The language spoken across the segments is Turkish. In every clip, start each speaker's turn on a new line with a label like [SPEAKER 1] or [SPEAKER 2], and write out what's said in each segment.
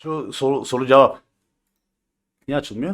[SPEAKER 1] Şu soru cevap. Niye açılmıyor?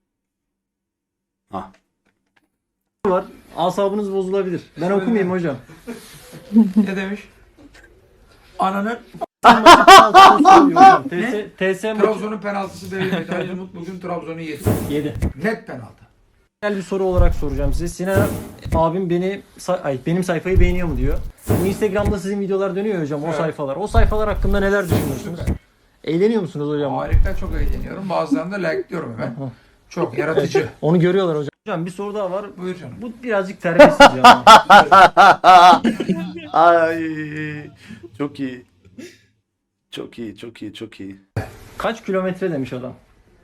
[SPEAKER 1] Ha.
[SPEAKER 2] Var. Asabınız bozulabilir. Ben okumayayım hocam.
[SPEAKER 3] Ne demiş? Ananın
[SPEAKER 2] Hocam. TS maçı
[SPEAKER 3] Trabzon'un penaltısı verilmedi. Ali Umut bugün Trabzon'u yedi.
[SPEAKER 2] 7.
[SPEAKER 3] Net penaltı.
[SPEAKER 2] Genel bir soru olarak soracağım size. Sinan abim benim sayfayı beğeniyor mu diyor. Bu Instagram'da sizin videolar dönüyor ya hocam, o
[SPEAKER 3] Evet.
[SPEAKER 2] sayfalar. O sayfalar hakkında neler düşünüyorsunuz? Eğleniyor musunuz hocam?
[SPEAKER 3] Harika, çok eğleniyorum. Bazılarını da like'lıyorum hemen. Çok yaratıcı.
[SPEAKER 2] Onu görüyorlar hocam. Hocam bir soru daha var.
[SPEAKER 3] Buyur canım.
[SPEAKER 2] Bu birazcık terbiyesizce ama.
[SPEAKER 1] Ay çok iyi. Çok iyi, çok iyi, çok iyi.
[SPEAKER 2] Kaç kilometre demiş adam.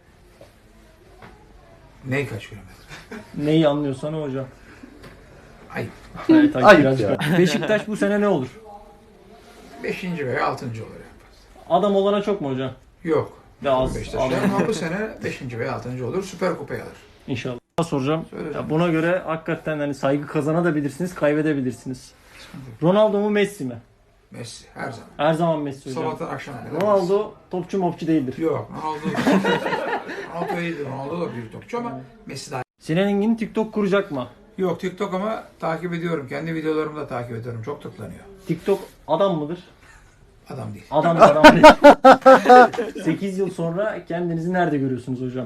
[SPEAKER 3] Ney kaç kilometre?
[SPEAKER 2] Neyi anlıyorsan o hocam.
[SPEAKER 3] Ayıp.
[SPEAKER 2] Evet,
[SPEAKER 1] Ayıp
[SPEAKER 2] birazcık.
[SPEAKER 1] ya.
[SPEAKER 2] Beşiktaş bu sene ne olur?
[SPEAKER 3] 5. veya 6. olur yani.
[SPEAKER 2] Adam olana çok mu hocam?
[SPEAKER 3] Yok.
[SPEAKER 2] Ve az.
[SPEAKER 3] Beşiktaşlar ama bu sene 5. veya 6. olur. Süper Kupayı alır.
[SPEAKER 2] İnşallah. Soracağım.
[SPEAKER 3] Söyle
[SPEAKER 2] Ya
[SPEAKER 3] canım.
[SPEAKER 2] buna göre hakikaten hani saygı kazanabilirsiniz, kaybedebilirsiniz. Ronaldo mu Messi mi?
[SPEAKER 3] Messi her zaman.
[SPEAKER 2] Her zaman Messi hocam.
[SPEAKER 3] Sabahtan akşama kadar.
[SPEAKER 2] Ronaldo topçu mopçu değildir.
[SPEAKER 3] Yok. Ronaldo iyidir. Ronaldo da büyük topçu ama Messi daha.
[SPEAKER 2] Sinan Engin TikTok kuracak mı?
[SPEAKER 3] Yok, TikTok ama takip ediyorum. Kendi videolarımı da takip ediyorum. Çok tıklanıyor.
[SPEAKER 2] TikTok adam mıdır?
[SPEAKER 3] Adam değil.
[SPEAKER 2] Adam değil. 8 yıl sonra kendinizi nerede görüyorsunuz hocam?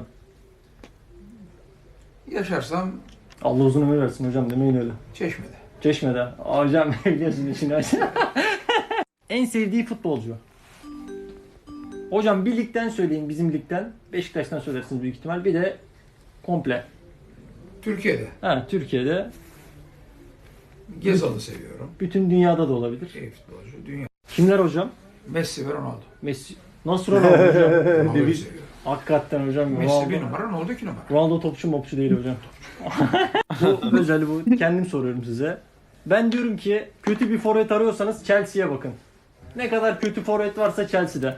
[SPEAKER 3] Yaşarsam
[SPEAKER 2] Allah uzun ömür versin hocam, demeyin öyle.
[SPEAKER 3] Çeşme'de.
[SPEAKER 2] Çeşme'de. Hocam biliyorsun işini hocam. En sevdiği futbolcu. Hocam bir ligden söyleyin, bizim ligden. Beşiktaş'tan söylersiniz büyük ihtimal. Bir de komple.
[SPEAKER 3] Türkiye'de.
[SPEAKER 2] Ha, Türkiye'de.
[SPEAKER 3] Gezal'ı seviyorum.
[SPEAKER 2] Bütün dünyada da olabilir.
[SPEAKER 3] İyi futbolcu. Dünya.
[SPEAKER 2] Kimler hocam?
[SPEAKER 3] Messi ve Ronaldo.
[SPEAKER 2] Messi. Nasıl Ronaldo hocam?
[SPEAKER 3] Ronaldo'yu seviyorum.
[SPEAKER 2] Hakikaten hocam.
[SPEAKER 3] Messi bir numara, Ronaldo 2 numara.
[SPEAKER 2] Ronaldo topçu mopçu değil hocam. Bu özel, bu. Kendim soruyorum size. Ben diyorum ki kötü bir forvet arıyorsanız Chelsea'ye bakın. Ne kadar kötü forvet varsa Chelsea'de.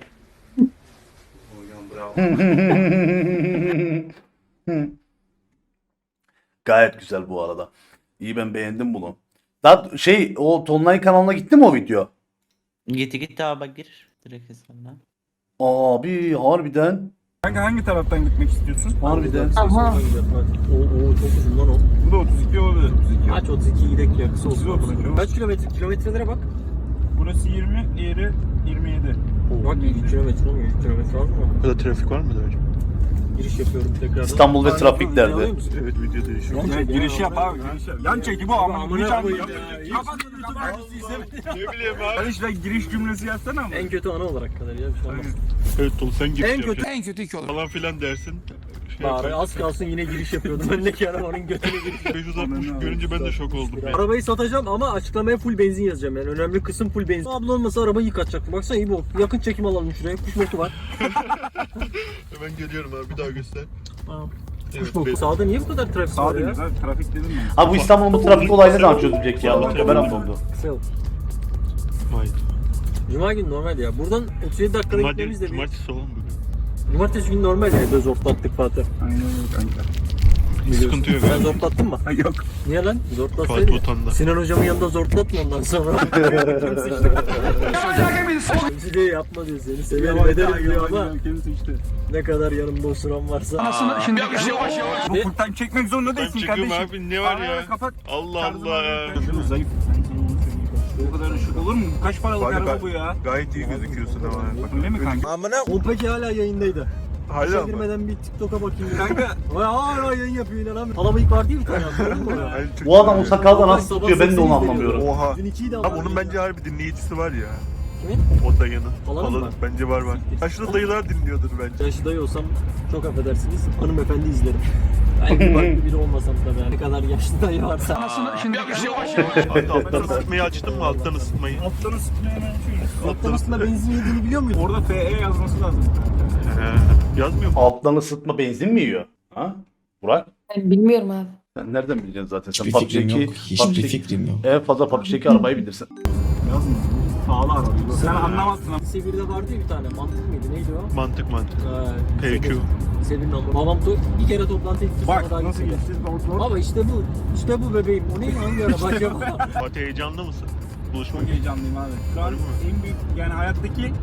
[SPEAKER 1] Gayet güzel bu arada. İyi, ben beğendim bunu. Daha o Tonlay kanalına gitti mi o video?
[SPEAKER 4] Gitti abi, bak gir direkt hesabına.
[SPEAKER 1] Abi harbiden.
[SPEAKER 5] Hangi taraftan gitmek istiyorsun?
[SPEAKER 1] Harbiden.
[SPEAKER 2] Aha. Oo çok uzun lan o.
[SPEAKER 5] Bu da 32 olabilir. 32.
[SPEAKER 2] Aç 32 gidek ya, kısa
[SPEAKER 5] Kısa
[SPEAKER 2] olsun.
[SPEAKER 5] olsun.
[SPEAKER 2] Kaç kilometre? Kilometrelere bak.
[SPEAKER 5] Burası 20, diğeri 27.
[SPEAKER 2] Bak 100 kilometre olmuyor. 100 kilometre az mı?
[SPEAKER 6] Burada trafik var mıdır hocam?
[SPEAKER 2] Giriş yapıyorum tekrardan.
[SPEAKER 1] İstanbul ve trafik derdi.
[SPEAKER 6] Evet video değişiyor.
[SPEAKER 5] Ya, girişi yap abi. Yan çeki bu ama.
[SPEAKER 2] Amına koyayım ya.
[SPEAKER 6] Ne bileyim abi.
[SPEAKER 5] Hadi işte giriş cümlesi yazsana ama.
[SPEAKER 2] En kötü ana olarak kadar ya, bir şey olmaz.
[SPEAKER 6] Evet Tolu sen giriş
[SPEAKER 2] En kötü-
[SPEAKER 6] yapacaksın.
[SPEAKER 3] En kötü 2 olur.
[SPEAKER 6] Falan filan dersin.
[SPEAKER 2] Bari az kalsın yine giriş yapıyordum. Öndeki arabanın götüne giriş.
[SPEAKER 6] 560 görünce ben de şok oldum.
[SPEAKER 2] Arabayı satacağım ama açıklamaya full benzin yazacağım yani. Önemli kısım full benzin. Abla olmasa arabayı yıkatacaktım. Baksana iyi bu. Yakın çekim alalım şuraya. Kuş boku var.
[SPEAKER 6] Hemen geliyorum abi, bir daha göster.
[SPEAKER 2] Kuş
[SPEAKER 6] Evet,
[SPEAKER 2] boku. Sağda niye bu kadar trafik
[SPEAKER 5] Sağ
[SPEAKER 2] var ya?
[SPEAKER 5] dönüyoruz abi. Trafik dedim mi?
[SPEAKER 1] Abi bu İstanbul'un bu trafik olayı ne zaman çözülecek ya? Allah ben oldu.
[SPEAKER 2] Kısa yol.
[SPEAKER 6] Vay.
[SPEAKER 2] Cuma günü normal ya. Buradan 37 dakikada gitmemiz de bir...
[SPEAKER 6] Cumartesi olan bugün.
[SPEAKER 2] Cumartesi günü normal ya. Böyle zortlattık Fatih.
[SPEAKER 5] Aynen öyle kanka.
[SPEAKER 6] Sıkıntı yok
[SPEAKER 2] Sen
[SPEAKER 6] abi.
[SPEAKER 2] zortlattın mı?
[SPEAKER 5] Yok.
[SPEAKER 2] Niye lan?
[SPEAKER 6] Fatih
[SPEAKER 2] Zortlatsaydın.
[SPEAKER 6] Botan'da.
[SPEAKER 2] Sinan hocamın yanında zortlatma ondan sonra. Kimse de yapma diyor, seni severim ederim diyor ama
[SPEAKER 5] Kendisi işte.
[SPEAKER 2] ne kadar yanımda osuran varsa.
[SPEAKER 3] Anasını şimdi yavaş.
[SPEAKER 5] Bu full time çekmek zorunda
[SPEAKER 6] Ben
[SPEAKER 5] değilsin
[SPEAKER 6] çıkıyorum
[SPEAKER 5] kardeşim.
[SPEAKER 6] abi, ne var
[SPEAKER 5] Arabayı
[SPEAKER 6] ya?
[SPEAKER 5] Kapat.
[SPEAKER 6] Allah
[SPEAKER 5] Tarzına
[SPEAKER 6] Allah.
[SPEAKER 5] bak. Şunu zayıf. Sen kendini söyleyeyim. Bu kadar ışık olur mu? Kaç paralık araba bu ya?
[SPEAKER 6] Gayet iyi gözüküyorsun ama.
[SPEAKER 5] Öyle mi kanka?
[SPEAKER 2] Kolpaki hala yayındaydı.
[SPEAKER 6] Hala
[SPEAKER 2] İşe
[SPEAKER 6] mı?
[SPEAKER 2] girmeden bir TikTok'a bakayım. Kanka. Hala yayın yapıyor, inanamıyorum. Palabıyık var değil mi bir tane? Gördün mü onu?
[SPEAKER 6] Hayır, çok
[SPEAKER 1] Bu adam o
[SPEAKER 6] iyi.
[SPEAKER 1] sakalda nasıl tutuyor, ben de onu anlamıyorum.
[SPEAKER 6] Oha.
[SPEAKER 2] Dün 2'yi de
[SPEAKER 6] Abi
[SPEAKER 2] aldım.
[SPEAKER 6] onun bence harbi dinleyicisi var ya.
[SPEAKER 2] Kimin?
[SPEAKER 6] O dayının.
[SPEAKER 2] Falanın mı?
[SPEAKER 6] Bence var var. Yaşlı dayılar dinliyordur bence.
[SPEAKER 2] Yaşlı dayı olsam çok affedersiniz. Hanımefendi izlerim. Ben bir farklı biri olmasam tabii. Yani. Ne kadar yaşlı dayı varsa.
[SPEAKER 3] Anasını şimdi yavaş.
[SPEAKER 6] Abi alttan ısıtmayı açtın mı, alttan ısıtmayı?
[SPEAKER 5] Alttan ısıtmaya hemen açıyoruz.
[SPEAKER 2] Alttan üstüne benzin yediğini biliyor muydun?
[SPEAKER 5] Orada FE yazması lazım.
[SPEAKER 6] Yazmıyor mu?
[SPEAKER 1] Alttan ısıtma benzin mi yiyor? Ha? Burak?
[SPEAKER 7] Ben bilmiyorum abi.
[SPEAKER 1] Sen nereden bileceksin zaten? Sen
[SPEAKER 8] Hiçbir fikrim
[SPEAKER 1] PUBG'deki,
[SPEAKER 8] yok. Hiçbir fikrim yok.
[SPEAKER 1] en fazla PUBG'deki arabayı bilirsin.
[SPEAKER 5] Yazmıyor. Pahalı araba. Sen anlamazsın ama.
[SPEAKER 2] Lise 1'de vardı ya bir tane. Mantık mıydı? Neydi o?
[SPEAKER 6] Mantık.
[SPEAKER 2] Lise
[SPEAKER 6] PQ.
[SPEAKER 2] bir. Lise 1'in aldı. Babam bir kere toplantı etti.
[SPEAKER 5] Bak
[SPEAKER 2] sonra daha
[SPEAKER 5] nasıl
[SPEAKER 2] gitmedi.
[SPEAKER 5] geçeceğiz zor.
[SPEAKER 2] Baba işte bu. İşte bu bebeğim. O ne hangi araba acaba?
[SPEAKER 6] Fatih heyecanlı mısın? Buluşmak
[SPEAKER 5] Çok heyecanlıyım abi. Şu an en büyük yani hayattaki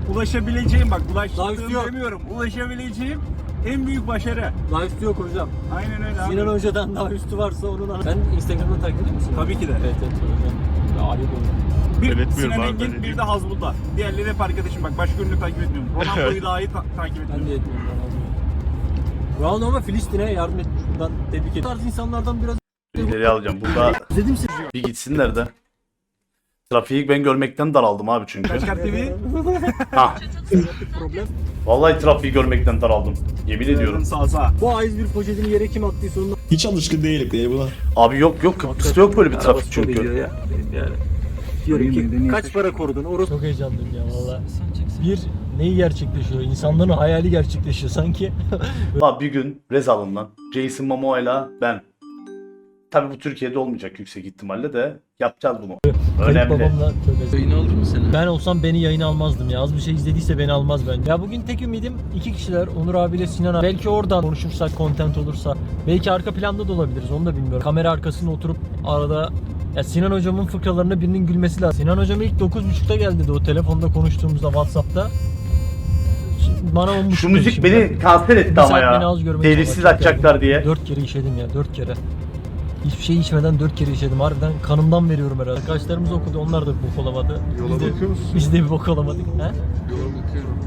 [SPEAKER 5] ulaşabileceğim bak
[SPEAKER 2] Daha üstü
[SPEAKER 5] ulaştığım
[SPEAKER 2] yok.
[SPEAKER 5] demiyorum. Ulaşabileceğim en büyük başarı.
[SPEAKER 2] Daha üstü yok hocam.
[SPEAKER 5] Aynen öyle abi.
[SPEAKER 2] Sinan Hoca'dan daha üstü varsa onun Sen Instagram'da takip ediyor musun?
[SPEAKER 5] Tabii ki de.
[SPEAKER 2] Evet hocam. Ya ayıp olur.
[SPEAKER 5] Bir
[SPEAKER 6] Yönetmiyorum
[SPEAKER 5] Sinan
[SPEAKER 6] abi,
[SPEAKER 5] Engin
[SPEAKER 6] ben
[SPEAKER 5] bir de Hazbullah. Diğerleri hep arkadaşım bak başka ünlü takip etmiyorum. Ronaldo'yu dahi takip
[SPEAKER 2] Ben
[SPEAKER 5] etmiyorum.
[SPEAKER 2] de etmiyorum. Ronaldo ama Filistin'e yardım etmiş. Buradan tebrik ederim. Bu tarz insanlardan biraz
[SPEAKER 1] İleri alacağım. Burada
[SPEAKER 2] izledim sizi.
[SPEAKER 1] bir gitsinler de. Trafiği ben görmekten daraldım abi çünkü.
[SPEAKER 5] Kaçkar TV.
[SPEAKER 1] Ha.
[SPEAKER 2] Problem.
[SPEAKER 1] Vallahi trafiği görmekten daraldım. Yemin ediyorum.
[SPEAKER 5] Sağ.
[SPEAKER 2] Bu A101 poşetini yere kim attıysa onun
[SPEAKER 7] Hiç alışkın değilim diye buna.
[SPEAKER 1] Abi yok Kıbrıs'ta yok böyle bir trafik
[SPEAKER 2] arabası
[SPEAKER 1] çünkü.
[SPEAKER 2] oluyor ya. Yani. Diyorum ki kaç para korudun? Orası çok heyecanlıyım ya valla. Bir neyi gerçekleşiyor? İnsanların hayali gerçekleşiyor sanki.
[SPEAKER 1] Abi bir gün Rezal'ından Jason Momoa'yla ben. Tabii bu Türkiye'de olmayacak yüksek ihtimalle de yapacağız bunu.
[SPEAKER 2] Kayıp
[SPEAKER 1] Önemli.
[SPEAKER 2] babamla tövbe.
[SPEAKER 4] Yayın olur mu senin?
[SPEAKER 2] Ben olsam beni yayına almazdım ya. Az bir şey izlediyse beni almaz bence. Ya bugün tek ümidim iki kişiler. Onur abiyle Sinan abi. Belki oradan konuşursak, content olursa. Belki arka planda da olabiliriz. Onu da bilmiyorum. Kamera arkasında oturup arada ya Sinan hocamın fıkralarına birinin gülmesi lazım. Sinan hocam ilk 9.30'da geldi de o telefonda konuştuğumuzda WhatsApp'ta. Bana 10.30
[SPEAKER 1] Şu müzik beni kanser etti ama ya. Delisiz açacaklar diye.
[SPEAKER 2] 4 kere işedim ya 4 kere. Hiçbir şey içmeden 4 kere işedim. Harbiden kanımdan veriyorum herhalde. Arkadaşlarımız okudu. Onlar da bir bok olamadı. Biz de bir bok olamadık. He?
[SPEAKER 7] Yola bakıyorum.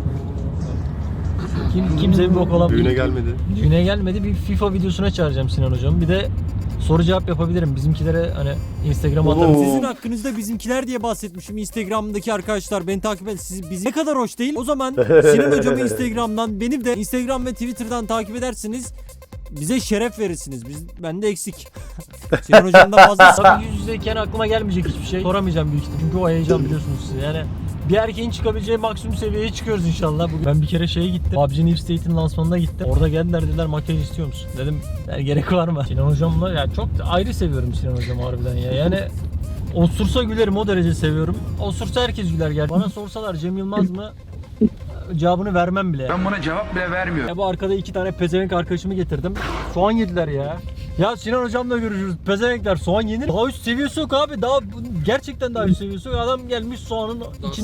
[SPEAKER 2] Kimse bir bok olamadı.
[SPEAKER 7] Düğüne gelmedi.
[SPEAKER 2] Düğüne gelmedi. Bir FIFA videosuna çağıracağım Sinan hocam. Bir de soru cevap yapabilirim. Bizimkilere hani Instagram'a atarım.
[SPEAKER 1] Oo.
[SPEAKER 2] Sizin hakkınızda bizimkiler diye bahsetmişim. Instagram'daki arkadaşlar beni takip edin. Bizi ne kadar hoş değil. O zaman Sinan hocamı Instagram'dan, benim de Instagram ve Twitter'dan takip edersiniz. Bize şeref verirsiniz. Ben de eksik. Sinan hocamdan fazla. Tabii yüz yüzeyken aklıma gelmeyecek hiçbir şey. Soramayacağım büyük ihtimalle. Çünkü o heyecan biliyorsunuz siz. Yani bir erkeğin çıkabileceği maksimum seviyeye çıkıyoruz inşallah. Bugün ben bir kere şeye gittim. PUBG New State'in lansmanına gittim. Orada geldiler dediler makyaj istiyor musun? Dedim yani gerek var mı? Sinan hocamla ya çok ayrı seviyorum Sinan hocamı harbiden ya. Yani osursa gülerim, o derece seviyorum. Osursa herkes güler gerçekten. Bana sorsalar Cem Yılmaz mı? Cevabını vermem bile.
[SPEAKER 3] Ben buna cevap bile vermiyorum.
[SPEAKER 2] Ya bu arkada iki tane pezevenk arkadaşımı getirdim. Soğan yediler ya. Ya Sinan hocamla görüşürüz. Pezevenkler soğan yenir. Daha üst seviyesi yok abi. Daha gerçekten daha üst seviyesi yok. Adam gelmiş soğanın içini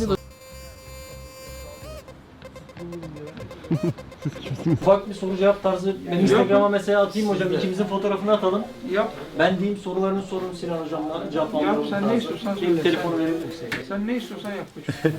[SPEAKER 2] Ufak bir soru cevap tarzı. Ben Instagram'a mesela atayım hocam. İkimizin fotoğrafını atalım.
[SPEAKER 3] Yap.
[SPEAKER 2] Ben diyeyim sorularını sorun Sinan hocamla. Cevap
[SPEAKER 3] Yap,
[SPEAKER 2] alalım.
[SPEAKER 3] sen ne istiyorsan söyle.
[SPEAKER 2] Telefonu verir misin?
[SPEAKER 3] Sen ne istiyorsan yap.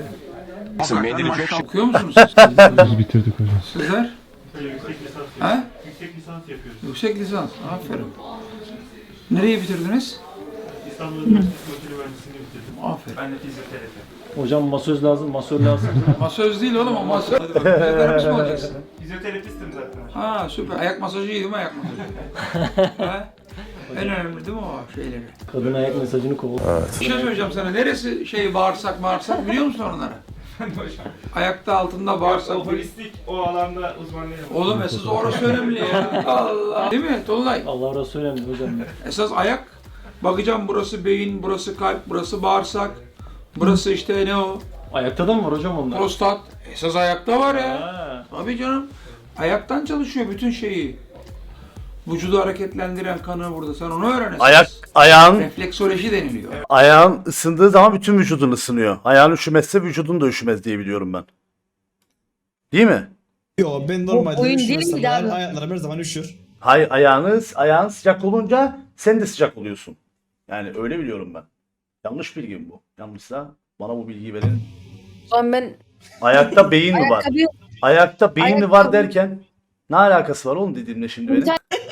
[SPEAKER 3] Maşallah okuyor musunuz siz?
[SPEAKER 7] Biz bitirdik hocam.
[SPEAKER 3] Sizler?
[SPEAKER 6] Yüksek lisans
[SPEAKER 3] He?
[SPEAKER 6] Yüksek lisans yapıyoruz.
[SPEAKER 3] Yüksek lisans. Aferin. Nereyi bitirdiniz?
[SPEAKER 6] İstanbul Üniversitesi Makine Mühendisliğini bitirdim.
[SPEAKER 3] Aferin.
[SPEAKER 6] Ben de fizyoterapi.
[SPEAKER 2] Hocam masöz lazım, masör lazım.
[SPEAKER 3] Masöz değil oğlum o masöz. Hadi bakalım. Fizyoterapist mi olacaksın?
[SPEAKER 6] Fizyoterapistim zaten.
[SPEAKER 3] Ha süper. Ayak masajı iyi değil mi ayak masajı? Ha? En önemli değil mi o şeyleri?
[SPEAKER 2] Kadın ayak mesajını kovul.
[SPEAKER 3] Bir şey söyleyeceğim sana. Neresi bağırsak biliyor musun onları? Ayakta altında bağırsak.
[SPEAKER 6] O holistik o alanda uzmanlığı yapıyorum.
[SPEAKER 3] Oğlum esas orası önemli ya. Allah. Değil mi Tolunay?
[SPEAKER 2] Allah razı önemli hocam.
[SPEAKER 3] Esas ayak. Bakacağım burası beyin, burası kalp, burası bağırsak. Burası işte ne o?
[SPEAKER 2] Ayakta da mı var hocam onlar?
[SPEAKER 3] Prostat. Esas ayakta var ya.
[SPEAKER 2] Ha.
[SPEAKER 3] Tabii canım. Ayaktan çalışıyor bütün şeyi. Vücudu hareketlendiren kanı burada. Sen onu öğren esas.
[SPEAKER 1] Ayağın
[SPEAKER 3] Refleksoloji deniliyor.
[SPEAKER 1] ayağın ısındığı zaman bütün vücudun ısınıyor. Ayağın üşümezse vücudun da üşümez diye biliyorum ben. Değil mi?
[SPEAKER 7] Yo ben normalde
[SPEAKER 8] oyun değil
[SPEAKER 7] üşümezsem
[SPEAKER 8] miydi abi?
[SPEAKER 7] ayaklarım her zaman üşür.
[SPEAKER 1] Hayır ayağın sıcak olunca sen de sıcak oluyorsun. Yani öyle biliyorum ben. Yanlış bilgim bu. Yanlışsa bana bu bilgiyi verin.
[SPEAKER 8] O zaman ben
[SPEAKER 1] Ayakta beyin mi var?
[SPEAKER 8] ayakkabı
[SPEAKER 1] Ayakta beyin mi var
[SPEAKER 8] Ayakkabı-
[SPEAKER 1] derken ne alakası var oğlum dediğimle şimdi benim?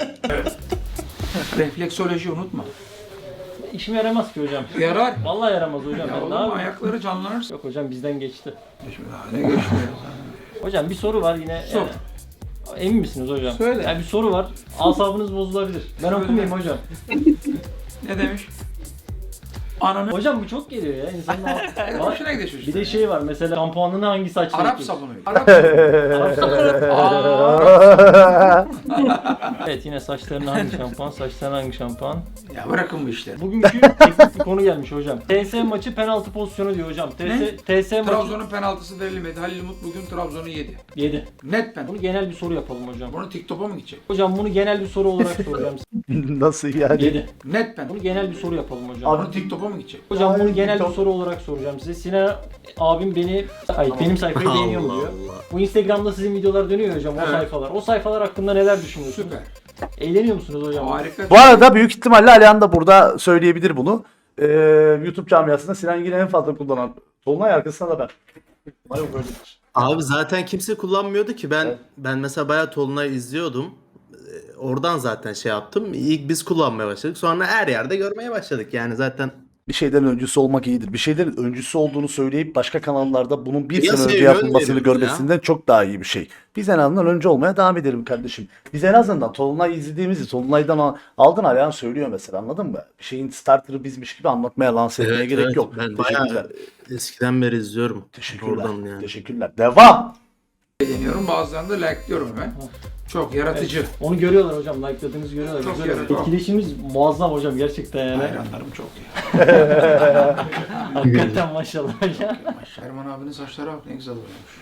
[SPEAKER 3] Refleksoloji unutma.
[SPEAKER 2] İşime yaramaz ki hocam.
[SPEAKER 3] Yarar.
[SPEAKER 2] Vallahi yaramaz hocam.
[SPEAKER 3] Ya
[SPEAKER 2] Ben ne
[SPEAKER 3] oğlum
[SPEAKER 2] yapayım?
[SPEAKER 3] ayakları canlanırsa.
[SPEAKER 2] Yok hocam bizden geçti.
[SPEAKER 3] Ne geçmiyor.
[SPEAKER 2] Hocam bir soru var yine.
[SPEAKER 3] Sor.
[SPEAKER 2] Emin misiniz hocam?
[SPEAKER 3] Söyle.
[SPEAKER 2] Yani bir soru var. Asabınız bozulabilir. Ben okumayayım hocam.
[SPEAKER 3] Ne demiş? Ananı.
[SPEAKER 2] Hocam bu çok geliyor ya. İnsanın
[SPEAKER 3] Hoşuna gidiyor
[SPEAKER 2] bir de şey var mesela şampuanını hangi saçla
[SPEAKER 3] Arap
[SPEAKER 2] yapıyorsun?
[SPEAKER 3] sabunu. Arap sabunu.
[SPEAKER 2] Arap sabunu.
[SPEAKER 3] Arap sabunu.
[SPEAKER 8] Evet yine saçlarına hangi şampuan, saçlarına hangi şampuan?
[SPEAKER 3] Ya bırakın bu işleri.
[SPEAKER 8] Bugünkü teknik bir konu gelmiş hocam. TS maçı penaltı pozisyonu diyor hocam. TS maçı
[SPEAKER 3] Trabzon'un penaltısı verilmedi. Halil Umut bugün Trabzon'u yedi.
[SPEAKER 8] 7.
[SPEAKER 3] Net penaltı.
[SPEAKER 8] Bunu genel bir soru yapalım hocam.
[SPEAKER 3] Bunu TikTok'a mı gidecek?
[SPEAKER 8] Hocam bunu genel bir soru olarak soracağım.
[SPEAKER 1] Nasıl yani?
[SPEAKER 8] 7.
[SPEAKER 3] Net penaltı.
[SPEAKER 8] Bunu genel bir soru yapalım hocam.
[SPEAKER 3] Bunu TikTok'a mı gidecek?
[SPEAKER 8] Hocam bunu genel bir
[SPEAKER 1] TikTok.
[SPEAKER 8] soru olarak soracağım size. Sinan abim benim sayfayı beğeniyor mu diyor. Bu Instagram'da sizin videolar dönüyor hocam o
[SPEAKER 3] Evet.
[SPEAKER 8] sayfalar. O sayfalar hakkında neler düşünüyorsunuz?
[SPEAKER 3] Süper.
[SPEAKER 8] Eğleniyor musunuz hocam?
[SPEAKER 3] Harika.
[SPEAKER 1] Bu arada büyük ihtimalle Alihan da burada söyleyebilir bunu. YouTube camiasında Sinan Engin'i en fazla kullanan Tolunay, arkasında da ben. Umarım böyledir.
[SPEAKER 9] Abi zaten kimse kullanmıyordu ki. Ben
[SPEAKER 1] Evet.
[SPEAKER 9] ben mesela bayağı Tolunay izliyordum. Oradan zaten şey yaptım. İlk biz kullanmaya başladık. Sonra her yerde görmeye başladık. Yani zaten
[SPEAKER 1] Bir şeylerin öncüsü olmak iyidir. Bir şeylerin öncüsü olduğunu söyleyip başka kanallarda bunun bir
[SPEAKER 9] Piyasaya
[SPEAKER 1] sene önce
[SPEAKER 9] yön
[SPEAKER 1] yapılmasını
[SPEAKER 9] veriyoruz
[SPEAKER 1] görmesinden çok daha iyi bir şey. Biz en azından önce olmaya devam edelim kardeşim. Biz en azından Tolunay izlediğimizi Tolunay'dan aldın, Alihan söylüyor mesela, anladın mı? Bir şeyin starter'ı bizmiş gibi anlatmaya, lanse etmeye
[SPEAKER 9] Evet,
[SPEAKER 1] gerek
[SPEAKER 9] evet.
[SPEAKER 1] yok.
[SPEAKER 9] Ben
[SPEAKER 1] Teşekkürler.
[SPEAKER 9] bayağı eskiden beri izliyorum.
[SPEAKER 1] Teşekkürler.
[SPEAKER 9] Oradan yani.
[SPEAKER 1] Teşekkürler. Devam.
[SPEAKER 3] Deniyorum. Bazılarını da like'lıyorum hemen. Çok yaratıcı.
[SPEAKER 8] Onu görüyorlar hocam. Like'ladığınızı görüyorlar.
[SPEAKER 3] Çok
[SPEAKER 8] Güzel.
[SPEAKER 3] yaratıcı.
[SPEAKER 8] Etkileşimimiz muazzam hocam gerçekten yani.
[SPEAKER 3] Hayranlarım çok ya.
[SPEAKER 8] Hakikaten maşallah hocam.
[SPEAKER 3] Erman abinin saçları bak ne güzel oluyormuş.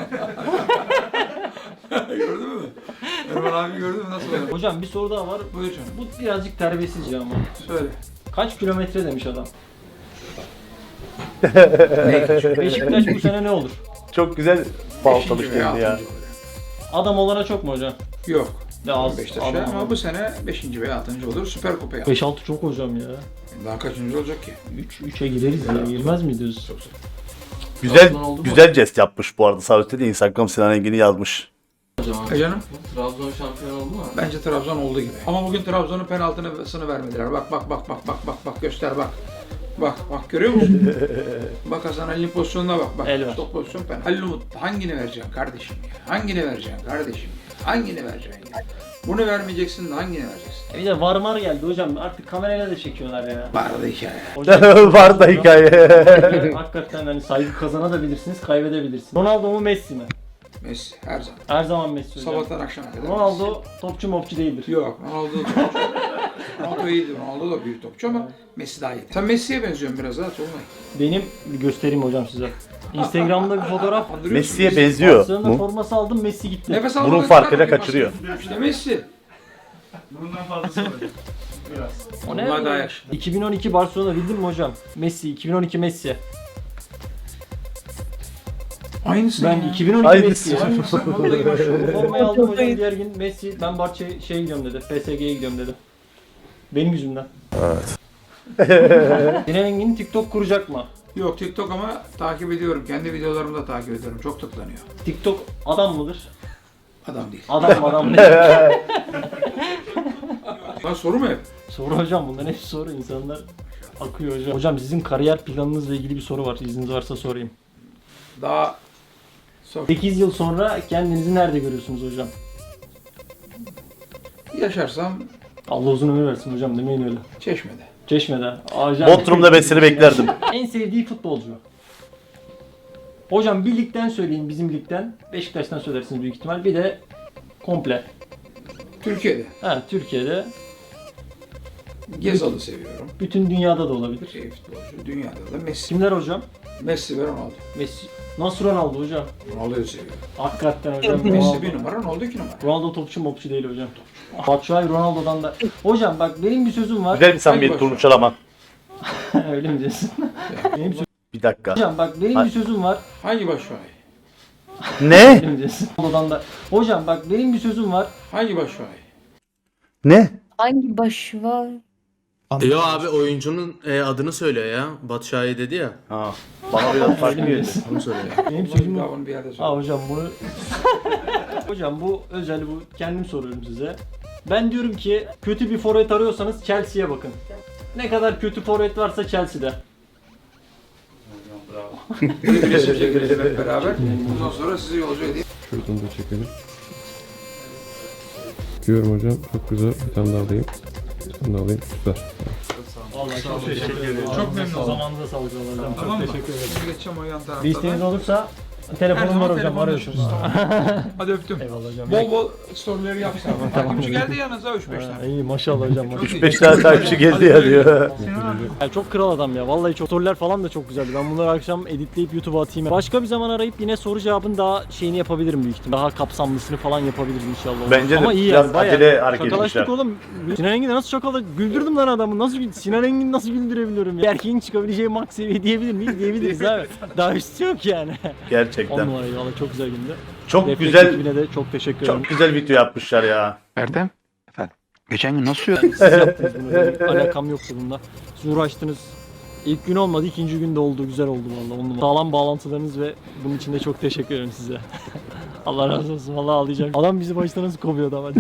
[SPEAKER 3] Gördün mü? Erman abi gördün mü nasıl oluyor?
[SPEAKER 8] Hocam bir soru daha var.
[SPEAKER 3] Buyur canım.
[SPEAKER 8] Bu birazcık terbiyesizce ama.
[SPEAKER 3] Söyle.
[SPEAKER 8] Kaç kilometre demiş adam.
[SPEAKER 3] Ne geçiyor?
[SPEAKER 8] Beşiktaş bu sene ne olur?
[SPEAKER 1] Çok güzel baltalık
[SPEAKER 3] Beşinci veya
[SPEAKER 1] geldi ya.
[SPEAKER 3] altıncı olur.
[SPEAKER 8] Adam olana çok mu hocam?
[SPEAKER 3] Yok.
[SPEAKER 8] Ya az.
[SPEAKER 3] Beşiktaş'a
[SPEAKER 8] Adam
[SPEAKER 3] ama bu sene 5. veya 6. olur. Süper Kupa'ya.
[SPEAKER 8] 5-6 çok hocam ya.
[SPEAKER 3] Daha kaçıncı olacak ki?
[SPEAKER 8] 3'e gideriz ya. Girmez miyiz?
[SPEAKER 1] Güzel
[SPEAKER 8] Trabzon oldu mu?
[SPEAKER 1] güzel jest yapmış bu arada. Sağ üstte de Instagram Sinan Engin'i yazmış.
[SPEAKER 3] Canım?
[SPEAKER 8] Trabzon şampiyon oldu mu?
[SPEAKER 3] Bence Trabzon oldu gibi. Ama bugün Trabzon'un penaltısını vermediler. Bak göster bak. Bak görüyor musun? Bak Hasan Ali'nin pozisyonuna bak.
[SPEAKER 8] El var.
[SPEAKER 3] Stop pozisyon penaltı. Halil Umut hangini vereceksin kardeşim ya? Hangini vereceksin kardeşim ya? Hangini vereceksin ya? Bunu vermeyeceksin de hangini vereceksin?
[SPEAKER 8] Bir de varmar geldi hocam. Artık kamerayla da çekiyorlar ya.
[SPEAKER 3] Vardı hikaye.
[SPEAKER 8] Hocam,
[SPEAKER 1] Var da hikaye.
[SPEAKER 8] hakikaten hani saygı kazanabilirsiniz, kaybedebilirsiniz. Ronaldo mu Messi mi?
[SPEAKER 3] Messi her zaman.
[SPEAKER 8] Her zaman Messi hocam.
[SPEAKER 3] Sabahtan akşama kadar.
[SPEAKER 8] Ronaldo topçu mopçu değildir.
[SPEAKER 3] Messi. Yok Ronaldo da topçu. Ronaldo iyiydi. Ronaldo da büyük topçu ama Messi daha iyi. Sen Messi'ye benziyorsun biraz ha Tolunay.
[SPEAKER 8] Benim göstereyim hocam size. Instagram'da bir fotoğraf.
[SPEAKER 3] Andırıyorsun
[SPEAKER 1] Messi'ye
[SPEAKER 3] Messi'yi.
[SPEAKER 1] benziyor
[SPEAKER 8] Barcelona
[SPEAKER 1] mu?
[SPEAKER 8] forması aldım, Messi gitti.
[SPEAKER 3] Nefes
[SPEAKER 1] Bunun
[SPEAKER 3] almadan
[SPEAKER 1] farkıyla
[SPEAKER 3] çıkar
[SPEAKER 1] kaçırıyor.
[SPEAKER 3] bakayım. İşte Messi.
[SPEAKER 6] Bundan fazlası var. Biraz.
[SPEAKER 8] O ne?
[SPEAKER 3] Bunlar daha yakışıklı.
[SPEAKER 8] 2012 Barcelona bildin mi hocam? Messi, 2012 Messi.
[SPEAKER 3] Aynısı
[SPEAKER 8] Ben
[SPEAKER 3] ya.
[SPEAKER 8] 2012
[SPEAKER 1] Aynısı.
[SPEAKER 8] Messi.
[SPEAKER 3] Aynısı. Vallahi bak.
[SPEAKER 8] Formayı aldım hocam diğer gün Messi ben şeye gidiyorum dedi. PSG'ye gidiyorum dedi. Benim yüzümden. Evet. Sinan Engin TikTok kuracak mı?
[SPEAKER 3] Yok TikTok ama takip ediyorum. Kendi videolarımı da takip ediyorum. Çok tıklanıyor.
[SPEAKER 8] TikTok adam mıdır?
[SPEAKER 3] Adam değil.
[SPEAKER 8] Adam değil.
[SPEAKER 3] Lan soru mu hep?
[SPEAKER 8] Soru hocam bunların hepsi soru. İnsanlar akıyor hocam. Hocam sizin kariyer planınızla ilgili bir soru var. İzniniz varsa sorayım.
[SPEAKER 3] Daha sor.
[SPEAKER 8] 8 yıl sonra kendinizi nerede görüyorsunuz hocam?
[SPEAKER 3] Yaşarsam
[SPEAKER 8] Allah uzun ömür versin hocam demeyin öyle.
[SPEAKER 3] Çeşme'de.
[SPEAKER 8] Çeşme'de. Hocam,
[SPEAKER 1] Bodrum'da ben seni beklerdim.
[SPEAKER 8] En sevdiği futbolcu. Hocam bir ligden söyleyin bizim ligden. Beşiktaş'tan söylersiniz büyük ihtimal. Bir de komple.
[SPEAKER 3] Türkiye'de.
[SPEAKER 8] Ha Türkiye'de.
[SPEAKER 3] Gezal'ı seviyorum.
[SPEAKER 8] Bütün dünyada da olabilir.
[SPEAKER 3] Futbolcu. Dünyada da Messi.
[SPEAKER 8] Kimler hocam?
[SPEAKER 3] Messi ve Ronaldo.
[SPEAKER 8] Messi. Nasıl Ronaldo hocam?
[SPEAKER 3] Ronaldo'yu seviyorum.
[SPEAKER 8] Hakikaten hocam.
[SPEAKER 3] Messi bir numara, Ronaldo 2 numara.
[SPEAKER 8] Ronaldo topçu mopçu değil hocam. Batshuayi Ronaldo'dan da. Hocam bak benim bir sözüm var.
[SPEAKER 1] Güzel bir samimiyet
[SPEAKER 3] Hadi
[SPEAKER 1] kurmuş ama.
[SPEAKER 8] Öyle mi diyorsun? benim
[SPEAKER 1] Bir dakika.
[SPEAKER 8] Hocam bak benim bir sözüm var.
[SPEAKER 3] Hangi Batshuayi?
[SPEAKER 1] Ne?
[SPEAKER 8] Öyle mi diyorsun? Ronaldo'dan da. Hocam bak benim bir sözüm var.
[SPEAKER 3] Hangi Batshuayi?
[SPEAKER 1] Ne?
[SPEAKER 10] Hangi başı var?
[SPEAKER 9] Yo abi oyuncunun adını söylüyor ya. Batshuayi dedi ya.
[SPEAKER 1] Ha. Bana biraz farklı
[SPEAKER 8] Öyle mi
[SPEAKER 1] geldi.
[SPEAKER 8] diyorsun?
[SPEAKER 9] Onu söylüyor.
[SPEAKER 8] Benim
[SPEAKER 3] Bunu
[SPEAKER 8] sözüm
[SPEAKER 3] bir
[SPEAKER 8] var.
[SPEAKER 3] daha bunu bir yerde söyle.
[SPEAKER 8] Aa hocam bunu hocam bu özel bu kendim soruyorum size. Ben diyorum ki kötü bir forvet arıyorsanız Chelsea'ye bakın. Ne kadar kötü forvet varsa Chelsea'de.
[SPEAKER 3] Bir resim çekelim hep beraber. Bundan sonra sizi yolcu edeyim.
[SPEAKER 7] Şuradan da çekelim. Diyorum hocam. Çok güzel. Bir tane daha alayım. Bir tane daha alayım. Süper.
[SPEAKER 8] Vallahi çok teşekkür ederim.
[SPEAKER 3] Çok memnun oldum.
[SPEAKER 8] Zamanınıza sağlık hocam.
[SPEAKER 3] Tamam
[SPEAKER 8] Çok
[SPEAKER 3] mı?
[SPEAKER 8] teşekkür ederim.
[SPEAKER 3] Şimdi geçeceğim o yan
[SPEAKER 8] Bir
[SPEAKER 3] taraftan.
[SPEAKER 8] isteğiniz olursa Telefonum var hocam,
[SPEAKER 3] telefonla
[SPEAKER 8] arıyorsunuz.
[SPEAKER 3] görüşürüz. Hadi öptüm.
[SPEAKER 8] Eyvallah hocam.
[SPEAKER 3] Bol bol storyleri yapsana. Takipçi geldi yanınıza 3-5 tane.
[SPEAKER 8] İyi maşallah hocam.
[SPEAKER 3] Çok iyi.
[SPEAKER 1] 5 tane takipçi geldi ya diyor.
[SPEAKER 8] Ya çok kral adam ya. Vallahi çok sorular falan da çok güzeldi. Ben bunları akşam editleyip YouTube'a atayım. Başka bir zaman arayıp yine soru cevabın daha şeyini yapabilirim büyük ihtimal. Daha kapsamlısını falan yapabiliriz inşallah.
[SPEAKER 1] Bence de
[SPEAKER 8] ama iyi
[SPEAKER 1] biraz
[SPEAKER 8] yani, bayağı.
[SPEAKER 1] acele hareket
[SPEAKER 8] Şakalaştık
[SPEAKER 1] etmişler.
[SPEAKER 8] oğlum. Sinan Engin'e nasıl şakalı? Güldürdüm lan adamı. Sinan Engin'i nasıl güldürebiliyorum ya? Bir erkeğin çıkabileceği max seviye diyebilir miyiz? Diyebiliriz abi. Daha üstü yok yani. 10
[SPEAKER 1] Gerçekten.
[SPEAKER 8] numaraydı valla, çok güzel gündü.
[SPEAKER 1] Çok
[SPEAKER 8] Refleks
[SPEAKER 1] güzel,
[SPEAKER 8] ekibine de çok teşekkür ederim.
[SPEAKER 1] çok güzel video yapmışlar ya.
[SPEAKER 3] Erdem. Efendim. Geçen gün nasıl
[SPEAKER 8] Siz yaptınız bunu. Benim alakam yoktu bunda. Siz uğraştınız. İlk gün olmadı, ikinci günde oldu. Güzel oldu valla. 10 numara. Sağlam bağlantılarınız ve bunun için de çok teşekkür ederim size. Allah razı olsun. Valla ağlayacağım. Adam bizi başta nasıl kovuyordu ama.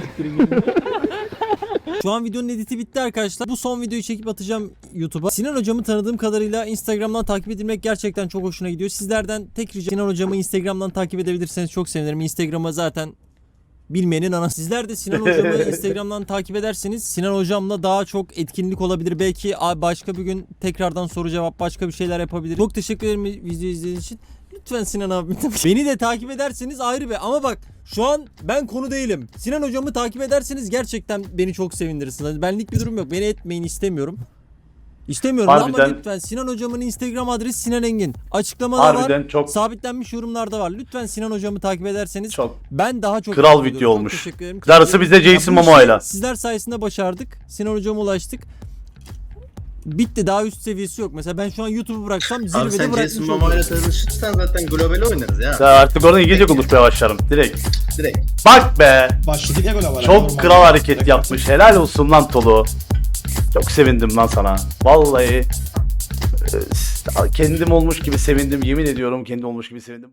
[SPEAKER 2] Şu an videonun editi bitti arkadaşlar. Bu son videoyu çekip atacağım YouTube'a. Sinan hocamı tanıdığım kadarıyla Instagram'dan takip edilmek gerçekten çok hoşuna gidiyor. Sizlerden tek ricam Sinan hocamı Instagram'dan takip edebilirseniz çok sevinirim. Instagram'a zaten bilmeyenin anası. Sizler de Sinan hocamı Instagram'dan takip ederseniz Sinan hocamla daha çok etkinlik olabilir. Belki başka bir gün tekrardan soru cevap başka bir şeyler yapabilir. Çok teşekkür ederim video izlediğiniz için. Lütfen Sinan abi. Beni de takip ederseniz ayrı bir. Ama bak şu an ben konu değilim. Sinan hocamı takip ederseniz gerçekten beni çok sevindirirsiniz. Benlik bir durum yok. Beni etmeyin, istemiyorum. İstemiyorum
[SPEAKER 1] Harbiden.
[SPEAKER 2] ama lütfen Sinan hocamın Instagram adresi Sinan Engin. Açıklamada
[SPEAKER 1] Harbiden
[SPEAKER 2] var.
[SPEAKER 1] çok
[SPEAKER 2] Sabitlenmiş yorumlarda var. Lütfen Sinan hocamı takip ederseniz
[SPEAKER 1] çok
[SPEAKER 2] ben daha çok
[SPEAKER 1] kral
[SPEAKER 2] mutlu
[SPEAKER 1] video
[SPEAKER 2] oluyorum.
[SPEAKER 1] olmuş.
[SPEAKER 2] Çok teşekkür ederim.
[SPEAKER 1] Darısı bizde Jason
[SPEAKER 2] Ya bu işi
[SPEAKER 1] Momoa'yla.
[SPEAKER 2] Sizler sayesinde başardık. Sinan hocama ulaştık. Bitti, daha üst seviyesi yok. Mesela ben şu an YouTube'u bıraksam
[SPEAKER 9] Abi
[SPEAKER 2] zirvede
[SPEAKER 9] sen Jason
[SPEAKER 2] bırakmış
[SPEAKER 9] Momoa ile
[SPEAKER 2] olurum.
[SPEAKER 9] tanışırsan zaten global oynarız ya.
[SPEAKER 1] Ya artık oradan İngilizce konuşmaya başlarım direkt.
[SPEAKER 9] Direkt.
[SPEAKER 1] Bak be.
[SPEAKER 6] Başladık ya böyle.
[SPEAKER 1] Çok kral hareket yapmış. Helal olsun lan Tolu. Çok sevindim lan sana. Vallahi kendim olmuş gibi sevindim. Yemin ediyorum kendim olmuş gibi sevindim.